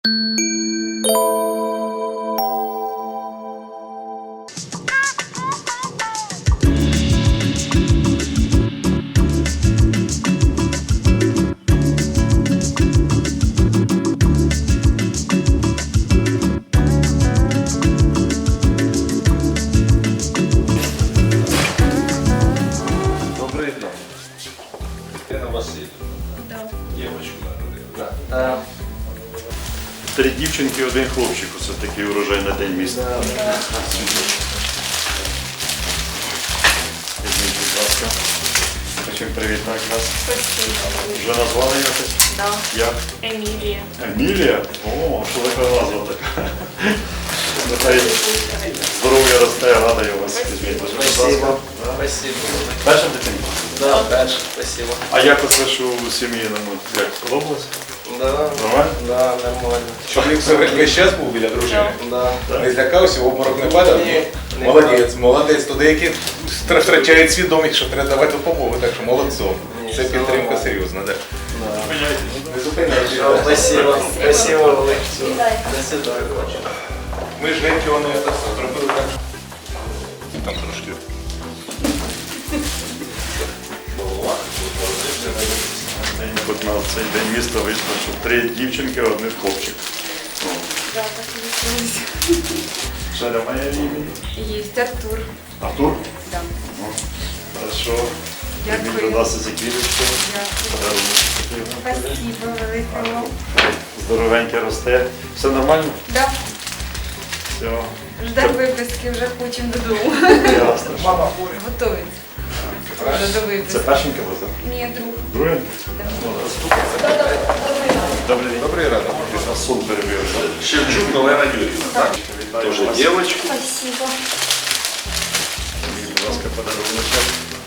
Добрий день. Ірина Васильівна. Дівочку народила. 3 дівчинки, 1 хлопчик. Оце такий урожай на день міста. Візьміть, будь ласка. Хочемо привітати вас. Вже назвали якось? Да. Як? Емілія. Емілія? О, що така назва така. Нехай здоров'я росте, радує вас. Візьміть, будь ласка. Спасибо. Спасибо. Перша дитинка? Да, дальше. Спасибо. А як оце, що у сім'ї, як сподобалось? Да. Нормально? Да, нормально. Чоловік все весь час був біля дружини. Да. Не злякався, в обморок не падав? Ні. Молодець, молодець. То деякі втрачають свідомість, що треба давати допомогу, так що молодцом. Це підтримка серйозна, так. Не зупиняйся. Спасибо. Спасибо, Олег. До свидания. Ми ж геть його не зробили так. Там трошки. От на цей день міста вийшло, що 3 дівчинки, 1 хлопчик. Да, так і відбулося. Ще немає імені? Є Артур. Артур? Да. Хорошо. Дякую. Візьміть до нас ці квіточки. Спасибо велике вам. Здоровеньке росте. Все нормально? Да. Все. Ждемо виписки, вже хочемо додому. Ясно. Мама хворі. Готують. Вже до Це виписки. першенька вас, так? Ні, друг. Друге? Добрий день. Добрий ранок. Сон перебив. Шевчук Олена Юрьевна. Так. Вітаю Тоже вас. девочку. Спасибо. Будь ласка, подарунок.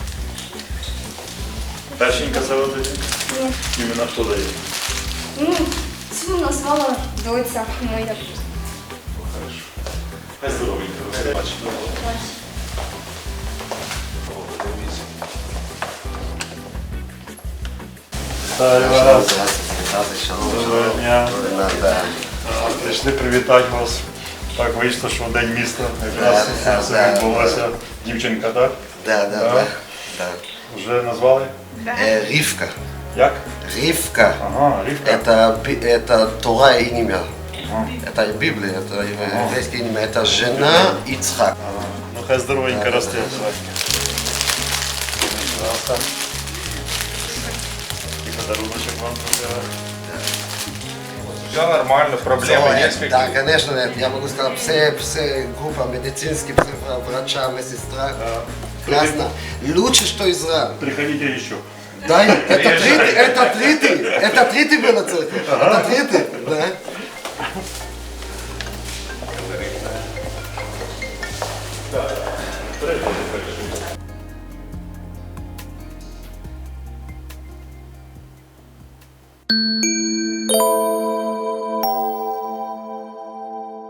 Першенька це ви даєте? Ні. Іменно хто дає? Ну, цю назвала доця моя. Хорошо. Хай здоровенько росте. Бачите. Вітаю вас. Доброго дня. Прийшли привітати вас. Так вийшло, що в день міста якраз це відбулося. Дівчинка, так? Да. Вже назвали? Ривка. Як? Ривка. Ага, Рівка. Это Тора и имя. Ага. Это Библия, это еврейское имя. Это жена Ицхак. Ага. Ну хай здоровенько росте. Пожалуйста. І подаруночок вам зробила. Все нормально, проблеми нет. Да, конечно, нет. Я могу сказать, все группа медицинских, врача, медсестра. Классно. Лучше, что Израиль. Приходите еще. Да, это третий был на церкви. Это третий, да.